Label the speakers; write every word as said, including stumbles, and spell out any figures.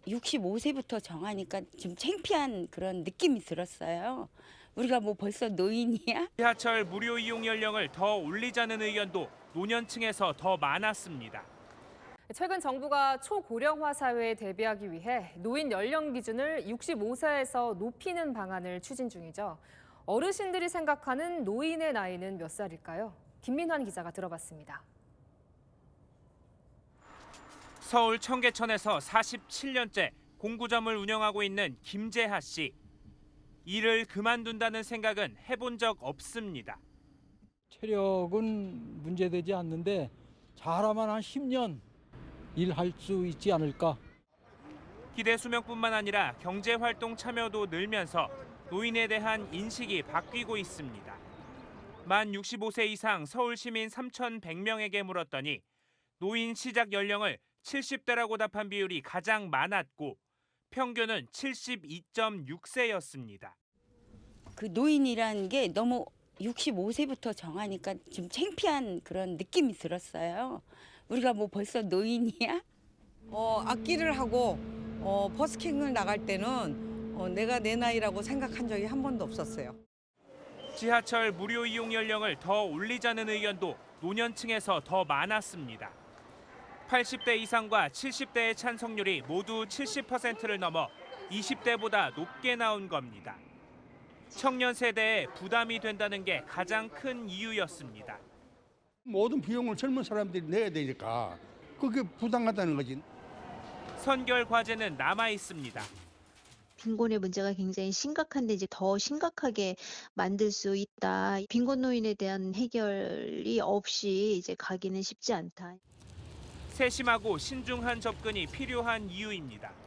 Speaker 1: 육십오 세부터 정하니까 좀 창피한 그런 느낌이 들었어요. 우리가 뭐 벌써 노인이야?
Speaker 2: 지하철 무료 이용 연령을 더 올리자는 의견도 노년층에서 더 많았습니다.
Speaker 3: 최근 정부가 초고령화 사회에 대비하기 위해 노인 연령 기준을 육십오 세에서 높이는 방안을 추진 중이죠. 어르신들이 생각하는 노인의 나이는 몇 살일까요? 김민환 기자가 들어봤습니다.
Speaker 2: 서울 청계천에서 사십칠 년째 공구점을 운영하고 있는 김재하 씨. 일을 그만둔다는 생각은 해본 적 없습니다.
Speaker 4: 체력은 문제되지 않는데 잘하면 한 십 년 일할 수 있지 않을까.
Speaker 2: 기대 수명뿐만 아니라 경제활동 참여도 늘면서 노인에 대한 인식이 바뀌고 있습니다. 만 육십오 세 이상 서울 시민 삼천백 명에게 물었더니 노인 시작 연령을 칠십 대라고 답한 비율이 가장 많았고 평균은 칠십이 점 육 세였습니다.
Speaker 1: 그 노인이라는 게 너무 육십오 세부터 정하니까 좀 창피한 그런 느낌이 들었어요. 우리가 뭐 벌써 노인이야?
Speaker 5: 어, 악기를 하고 어, 버스킹을 나갈 때는 어, 내가 내 나이라고 생각한 적이 한 번도 없었어요.
Speaker 2: 지하철 무료 이용 연령을 더 올리자는 의견도 노년층에서 더 많았습니다. 팔십 대 이상과 칠십 대의 찬성률이 모두 칠십 퍼센트를 넘어 이십 대보다 높게 나온 겁니다. 청년 세대에 부담이 된다는 게 가장 큰 이유였습니다.
Speaker 6: 모든 비용을 젊은 사람들이 내야 되니까 그게 부담하다는 거지.
Speaker 2: 선결 과제는 남아 있습니다.
Speaker 7: 빈곤의 문제가 굉장히 심각한데 이제 더 심각하게 만들 수 있다. 빈곤 노인에 대한 해결이 없이 이제 가기는 쉽지 않다.
Speaker 2: 세심하고 신중한 접근이 필요한 이유입니다.